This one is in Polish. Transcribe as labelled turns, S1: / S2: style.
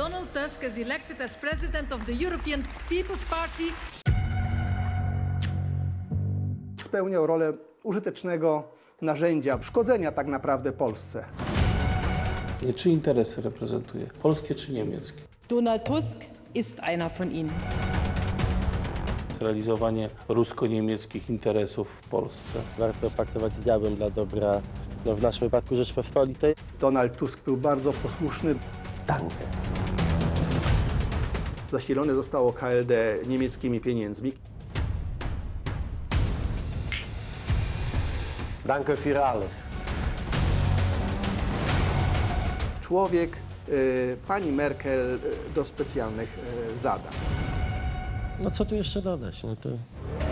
S1: Donald Tusk is elected as president of the European People's Party.
S2: Spełniał rolę użytecznego narzędzia szkodzenia tak naprawdę Polsce.
S3: Czy interesy reprezentuje? Polskie czy niemieckie?
S4: Donald Tusk ist einer von ihnen.
S3: Realizowanie rusko-niemieckich interesów w Polsce.
S5: Warto paktować z diabłem dla dobra, w naszym wypadku Rzeczpospolitej.
S2: Donald Tusk był bardzo posłuszny.
S5: Danke.
S2: Zasilone zostało KLD niemieckimi pieniędzmi.
S5: Danke für alles.
S2: Człowiek pani Merkel do specjalnych zadań.
S5: No co tu jeszcze dodać? No to